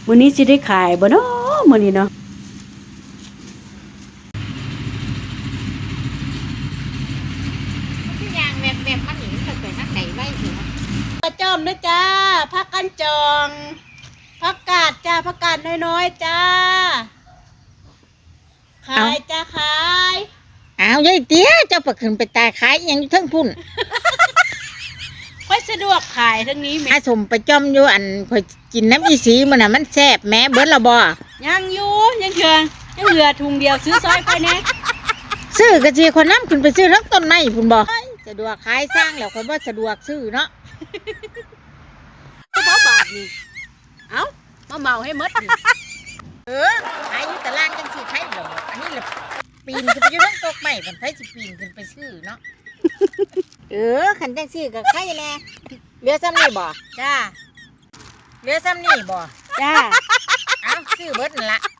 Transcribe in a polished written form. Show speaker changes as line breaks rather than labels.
มื้อนี้สิได้ขายบ่เนาะมื้อนี้เนาะ
ที่ยางแบบมันหนีไปนักไก่ไว้ถึง
ปลาจอมนะจ้าผักกันจองผักกาดจ้าผักกาดน้อยๆจ้าขายจ้าขาย
อ้าวยายเตี้ยเจ้าประขึ้นไปตายขายยังทั้งพุ่น
ค่อยสะดวกขายทั้งนี้แม่
อาสมไปจอมอยู่อันข่อยกินน้ำอีสีมันน่ะมันแซ่บแม่เบิดละบ่
ยังอยู่ยังเหลือถุงเดียวซื้อซอยไปแน่
ซื้อกะจีคนน้ำขึ้นไปซื้อทั้งต้นไม้พุ่นบ่สะดวกขายสร้างแล้วคนบ่สะดวกซื้อเนาะ
บ่บาทนี่เอ้ามาเมาให้หมดนี่
ขายอยู่ตลาดจังสิขายดอกอันนี้ล่ะปีนขึ้นไปอยู่ทั้งตกไม้มันไผสิปีนขึ้นไปซื้อเนาะคันจังซี่ก็ขายแน่เหลือซ้ำนี่บ่
จ้า
เหลือซ้ำนี่บ่
จ้า
เอ้าซื้อเบิดนั่นล่ะ